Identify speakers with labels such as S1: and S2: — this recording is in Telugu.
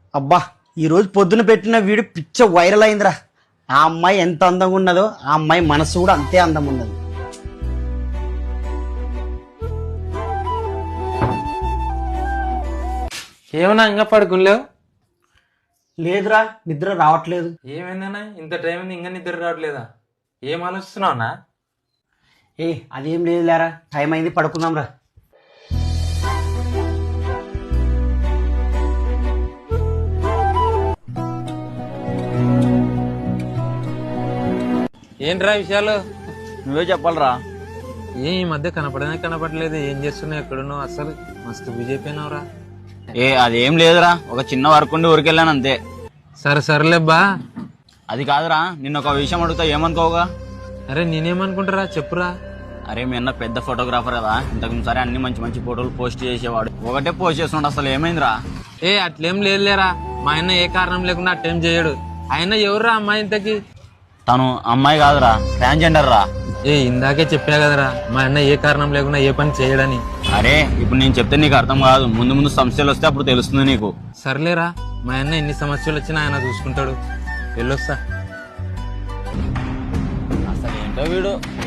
S1: అబ్బా ఈరోజు పొద్దున పెట్టిన వీడియో పిచ్చ వైరల్ అయిందిరా. ఆ అమ్మాయి ఎంత అందంగా ఉన్నదో ఆ అమ్మాయి మనసు కూడా అంతే అందం ఉన్నది.
S2: ఏమన్నా ఇంకా పడుకునిలేవు?
S1: లేదురా, నిద్ర రావట్లేదు.
S2: ఏమైందన్నా ఇంత టైం ఉంది ఇంకా నిద్ర రావట్లేదా? ఏం ఆలోచిస్తున్నావునా?
S1: అదేం లేదు లేరా, టైం అయింది, పడుకుందాం రా.
S2: ఏంట్రా విషయాలు?
S3: నువ్వే చెప్పాలరా.
S2: ఈ మధ్య కనపడలేదు. ఏం చేస్తున్నావు? ఎక్కడున్నావు? అసలు మస్తు బిజీ అయిపోయినావురా.
S3: అదేం లేదురా, ఒక చిన్న వర్క్ ఉండి ఊరికెళ్ళాను అంతే.
S2: సరేలేబ్బా.
S3: అది కాదురా, నిన్న ఒక విషయం అడుగుతా ఏమనుకోవుగా?
S2: అరే నేనేమనుకుంటారా, చెప్పురా.
S3: అరే మీ అన్న పెద్ద ఫోటోగ్రాఫర్ కదా, ఇంతకు సరే అన్ని మంచి మంచి ఫోటోలు పోస్ట్ చేసేవాడు, ఒకటే పోస్ట్ చేస్తున్నాడు. అసలు ఏమైందిరా?
S2: అట్లేం లేదులేరా, మా ఆయన ఏ కారణం లేకుండా అట్టేం చేయడు. ఆయన ఎవర్రా అమ్మాయి ఇంతకి?
S3: తను అమ్మాయి కాదురా, ట్రాన్స్జెండర్ రా.
S2: ఇందాకే చెప్పా కదరా, మా అన్న ఏ కారణం లేకుండా ఏ పని చేయడని.
S3: అరే ఇప్పుడు నేను చెప్తే నీకు అర్థం కాదు, ముందు ముందు సమస్యలు వస్తే అప్పుడు తెలుస్తుంది నీకు.
S2: సర్లేరా, మా అన్న ఎన్ని సమస్యలు వచ్చినా ఆయన చూసుకుంటాడు. వెళ్ళొస్తా.
S3: అసలు ఏంటో వీడు.